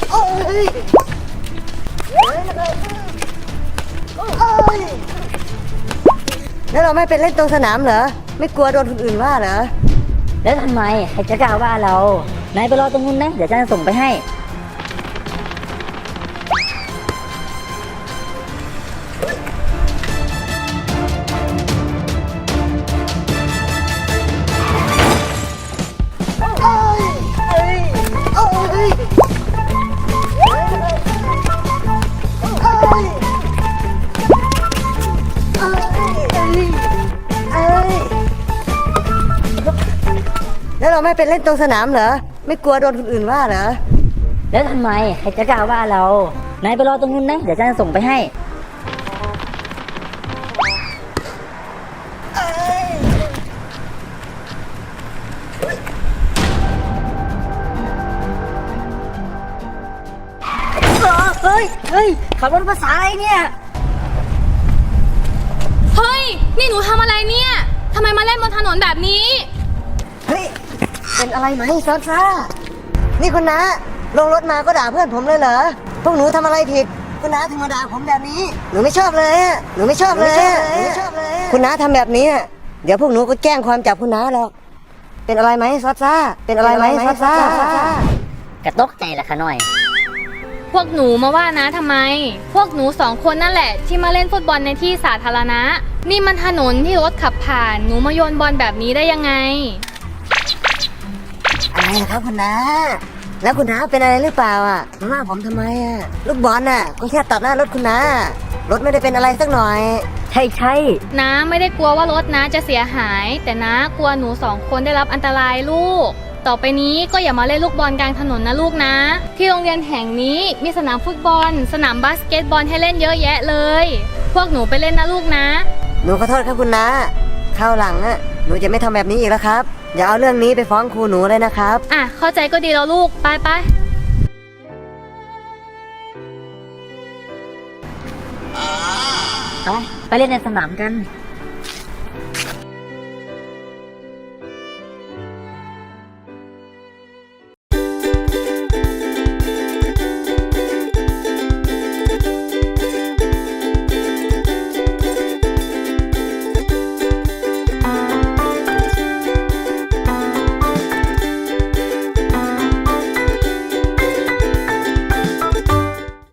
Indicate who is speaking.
Speaker 1: โอ้ยแล้วเราไม่ไปเล่นตรงสนามเหรอไม่กลัวโดนคนอื่นว่าเหรอ
Speaker 2: แล้วทำไมใครจะกล่าวว่าเรานายไปรอตรงนู้นนะเดี๋ยวฉันจะส่งไปให้
Speaker 1: แล้วเราไม่ไปเล่นตรงสนามเหรอไม่กลัวโดนคนอื่นว่าเหรอ
Speaker 2: แล้วทำไมใครจะกล่าวว่าเรานายไปรอตรงนู้นนะเดี๋ยวฉันจะส่งไปให้เฮ้ยขับรถภาษาอะไรเนี่ย
Speaker 3: เฮ้ยนี่หนูทำอะไรเนี่ยทำไมมาเล่นบนถนนแบบนี้
Speaker 1: เฮ้ยเป็นอะไรไหมซอสซ่านี่คุณน้าลงรถมาก็ด่าเพื่อนผมเลยเหรอพวกหนูทำอะไรผิดคุณน้าถึงมาด่าผมแบบนี้หนูไม่ชอบเลยหนูไม่ชอบเลยคุณน้าทำแบบนี้เดี๋ยวพวกหนูก็แจ้งความจับคุณน้าหรอกเป็นอะไรไหมซอสซ่าเป็นอะไรไหมซอสซ่
Speaker 2: กระตกใจละค่ะหน่อย
Speaker 3: พวกหนูมาว่านะทำไมพวกหนูสองคนนั่นแหละที่มาเล่นฟุตบอลในที่สาธารณะนี่มันถนนที่รถขับผ่านหนูมาโยนบอลแบบนี้ได้ยังไง
Speaker 1: อะไรครับคุณน้าแล้วคุณน้าเป็นอะไรหรือเปล่ามาว่าผมทำไมลูกบอลก็แค่ตัดหน้ารถคุณน้ารถไม่ได้เป็นอะไรสักหน่อย
Speaker 2: ใช่
Speaker 3: น้าไม่ได้กลัวว่ารถน้าจะเสียหายแต่น้ากลัวหนูสองคนได้รับอันตรายลูกต่อไปนี้ก็อย่ามาเล่นลูกบอลกลางถนนนะลูกนะที่โรงเรียนแห่งนี้มีสนามฟุตบอลสนามบาสเกตบอลให้เล่นเยอะแยะเลยพวกหนูไปเล่นนะลูกนะ
Speaker 1: หนูขอโทษครับคุณน้าคราวหลังหนูจะไม่ทำแบบนี้อีกแล้วครับอย่าเอาเรื่องนี้ไปฟ้องครูหนูเลยนะครับ
Speaker 3: เข้าใจก็ดีแล้วลูกไป
Speaker 2: ไปเล่นในสนามกัน